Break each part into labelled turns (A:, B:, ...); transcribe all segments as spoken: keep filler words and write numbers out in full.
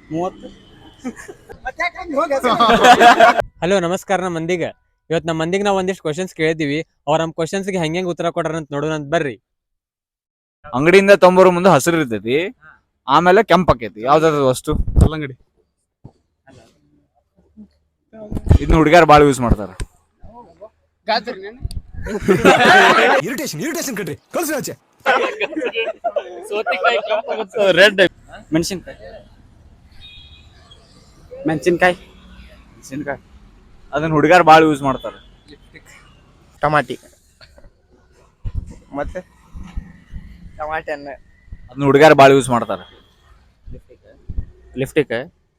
A: ಮೂವತ್ತು.
B: ಹಲೋ ನಮಸ್ಕಾರ ನಮ್ಮ ಮಂದಿಗೆ. ಇವತ್ತು ನಮ್ಮ ಮಂದಿಗೆ ನಾವು ಒಂದಿಷ್ಟು ಕ್ವಶನ್ಸ್ ಕೇಳಿದೀವಿ. ಅವ್ರ ನಮ್ಮ ಕ್ವಶನ್ಸ್ಗೆ ಹೆಂಗೆ ಉತ್ತರ ಕೊಡ್ರ ಅಂತ ನೋಡೋಣ ಅಂತ ಬರ್ರಿ.
C: ಅಂಗಡಿಯಿಂದ ತೊಂಬರೋ ಮುಂದೆ ಹಸಿರು ಇರ್ತೈತಿ, ಆಮೇಲೆ ಕೆಂಪ್ ಆಕೈತಿ. ಯಾವ್ದಾದ್ರು ವಸ್ತು? ಕಲ್ಲಂಗಡಿ. ಇದನ್ನ ಹುಡುಗ್ಯಾರ ಬಾಳ ಯೂಸ್ ಮಾಡ್ತಾರ.
D: ಇರಿಟೇಷನ್ ಇರಿಟೇಷನ್ ಕಣ್ರಿ, ಕಳ್ಸಿ ಆಚೆ.
A: ರೆಡ್ ಮೆಣಸಿನ್ಕಾಯಿ. ಮೆಣಸಿನ್ಕಾಯಿ
C: ಮೆಣಸಿನ್ಕಾಯಿ ಅದನ್ನ ಹುಡುಗ್ಯಾರ ಬಾಳ ಯೂಸ್ ಮಾಡ್ತಾರ.
A: ಟಮಾಟಿ ಮತ್ತೆ ಟಮಾಟಿ ಅನ್ನ
C: ಅದನ್ನ ಹುಡುಗ್ಯಾರ ಬಾಳ ಯೂಸ್ ಮಾಡ್ತಾರ.
A: ಲಿಫ್ಟಿಕ್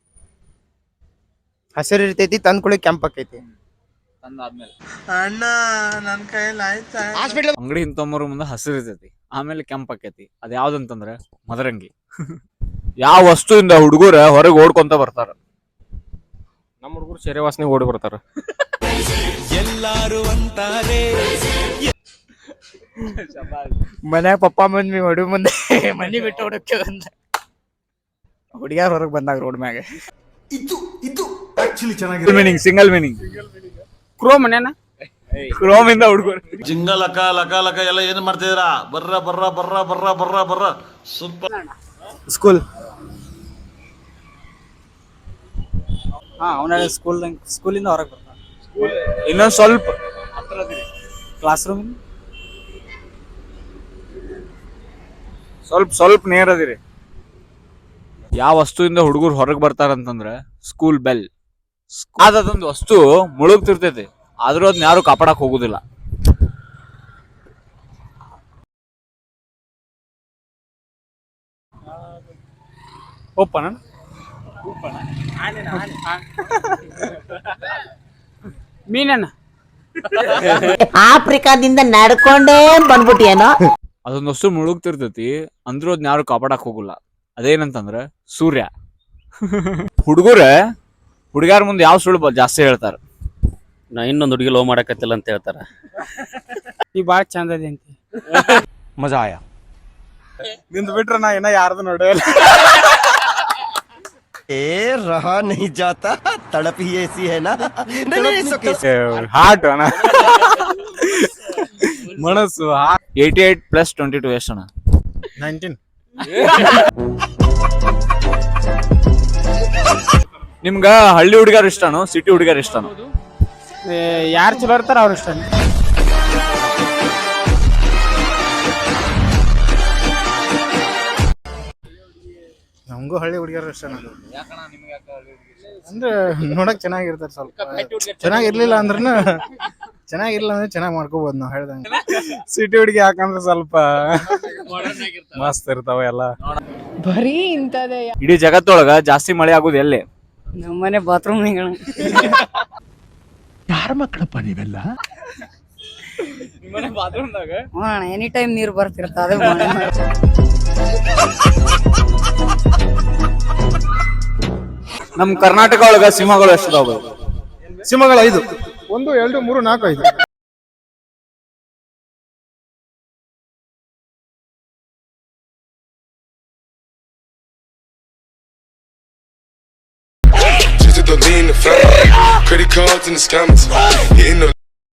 A: ಹಸಿರು ಇರ್ತೈತಿ, ತಂದ್ ಕುಳಿ ಕೆಂಪ್ ಆಕೈತಿ.
C: ಅಣ್ಣ ನನ್ ಕೈಯಲ್ಲಿ ಆಯ್ತಾ? ಅಂಗಡಿ ತೊಂಬರೋ ಮುಂದೆ ಹಸಿರು ಇರ್ತೈತಿ, ಆಮೇಲೆ ಕೆಂಪ್ ಆಕೈತಿ. ಅದ್ ಯಾವ್ದಂತಂದ್ರ ಮದರಂಗಿ. ಯಾವ ವಸ್ತುವಿಂದ ಹುಡುಗರ ಹೊರಗೆ ಓಡ್ಕೊಂತ ಬರ್ತಾರ?
B: ನಮ್ಮ ಹುಡುಗರು ಶೆರೆ ವಾಸನೆ ಓಡಿ ಬರ್ತಾರ.
D: ಎಲ್ಲಾರು ಅಂತಾರೆ
A: ಮನ್ಯಾಗ ಪಪ್ಪ ಮಮ್ಮಿ ಹೊಡಿ ಮುಂದೆ ಮನಿ ಬಿಟ್ಟು ಹೊಡಕ್ಕೆ ಬಂದ ಹುಡುಗ್ಯಾರ ಹೊರಗೆ ಬಂದಾಗ ರೋಡ್ ಮ್ಯಾಗ.
D: ಇದು ಇದು ಆಕ್ಚುಲಿ ಚೆನ್ನಾಗಿದೆ.
C: Meaning single meaning.
A: ಕ್ರೋ ಮನೇನ
C: ಕ್ರೋಮ್ ಇಂದ ಹುಡುಗರು
E: ಜಿಂಗ ಲಕ ಲಕ ಲಕ ಎಲ್ಲ ಏನ್ ಮಾಡ್ತಿದ್ದೀರಾ? ಬರ್ರ ಬರ್ರ ಬರ್ರ ಬರ್ರ ಬರ್ರ ಬರ್ರ ಸೂಪರ್.
A: ಸ್ಕೂಲ್. ಹಾ ಅವನ ಸ್ಕೂಲ್ ಸ್ಕೂಲಿಂದ ಹೊರಗೆ ಬರ್ತಾನ.
C: ಇನ್ನೊಂದ್ ಸ್ವಲ್ಪ
A: ಕ್ಲಾಸ್ ರೂಮ್
C: ಸ್ವಲ್ಪ ಸ್ವಲ್ಪ ನೇರ್ ಅದಿರಿ. ಯಾವ ವಸ್ತುವಿಂದ ಹುಡುಗರು ಹೊರಗೆ ಬರ್ತಾರಂತಂದ್ರ ಸ್ಕೂಲ್ ಬೆಲ್. ಅದೊಂದು ವಸ್ತು ಮುಳುಗ್ತಿರ್ತೈತಿ, ಆದ್ರೂ ಅದನ್ನ ಯಾರು ಕಾಪಾಡಕ್ ಹೋಗುದಿಲ್ಲ.
A: ಓಪನ ಮೀನನ್ನ
F: ಆಫ್ರಿಕಾದಿಂದ ನಡ್ಕೊಂಡೇ ಬಂದ್ಬಿಟ್ಟಿಯೇನೋ.
C: ಅದೊಂದು ವಸ್ತು ಮುಳುಗ್ತಿರ್ತೈತಿ, ಅಂದ್ರೂ ಅದನ್ನ ಯಾರು ಕಾಪಾಡಕ್ ಹೋಗಲ್ಲ. ಅದೇನಂತಂದ್ರ ಸೂರ್ಯ. ಹುಡುಗರ ಹುಡುಗ್ಯಾರ ಮುಂದೆ ಯಾವ ಸುಳ್ಳು ಜಾಸ್ತಿ ಹೇಳ್ತಾರ?
G: ನಾ ಇನ್ನೊಂದು ಹುಡುಗಿ ಲವ್ ಮಾಡಕತ್ತಿಲ್ಲ ಅಂತ ಹೇಳ್ತಾರ.
A: ಈ ಬಾಳ ಚಂದ ಅದಿ ಅಂತ.
D: ಮಜಾ ಆಯಾ.
A: ನಿಂದು ಬಿಟ್ರ ನಾ ಇನ್ನ ಯಾರ್ದು ನೋಡಿಲ್ಲ.
D: ಏ ರಹಾ नहीं जाता, तड़प ही ऐसी है ना.
A: ಹಾರ್ಟ್ ಅಣ್ಣ, ಮನಸ್ಸು.
C: Eighty eight plus twenty two ಎಷ್ಟು ಅಣ್ಣ?
A: ನೈನ್ಟೀನ್.
C: ನಿಮ್ಗ ಹಳ್ಳಿ ಹುಡುಗಾರ ಇಷ್ಟನೋ ಸಿಟಿ ಹುಡುಗಾರ ಇಷ್ಟನೋ?
A: ಯಾರು ಚಲೋ ಇರ್ತಾರ ಅವ್ರ ಇಷ್ಟ. ನಮಗೂ ಹಳ್ಳಿ ಹುಡುಗಿಯರು ಇಷ್ಟ. ಅಂದ್ರೆ ನೋಡಕ್ ಚೆನ್ನಾಗಿರ್ತಾರ, ಸ್ವಲ್ಪ ಚೆನ್ನಾಗಿರ್ಲಿಲ್ಲ ಅಂದ್ರೂ ಚೆನ್ನಾಗಿರ್ಲಿಲ್ಲ ಅಂದ್ರೆ ಚೆನ್ನಾಗಿ ಮಾಡ್ಕೋಬಹುದು ನಾವು ಹೇಳ್ದಂಗ. ಸಿಟಿ ಹುಡುಗಿ ಯಾಕಂದ್ರೆ ಸ್ವಲ್ಪ ಮಸ್ತ್ ಇರ್ತಾವ ಎಲ್ಲ.
H: ಬರೀ ಇಂತದೇ.
C: ಇಡೀ ಜಗತ್ತೊಳಗ ಜಾಸ್ತಿ ಮಳೆ ಆಗುದು ಎಲ್ಲಿ?
H: ನಮ್ಮನೆ ಬಾತ್ರೂಮ್
D: ಯಾರ ಮಕ್ಕಳಪ್ಪ ನೀವೆಲ್ಲ?
H: ಎನಿ ಟೈಮ್ ನೀರು ಬರ್ತಿರ್ತ. ಅದೇ
C: ನಮ್ ಕರ್ನಾಟಕ ಒಳಗ ಸಿಂಹಗಳು ಎಷ್ಟಿದಾವ?
A: ಸಿಂಹಗಳು ಐದು. ಒಂದು ಎರಡು ಮೂರು ನಾಲ್ಕು ಐದು.
I: Credit cards and the scammers hitting the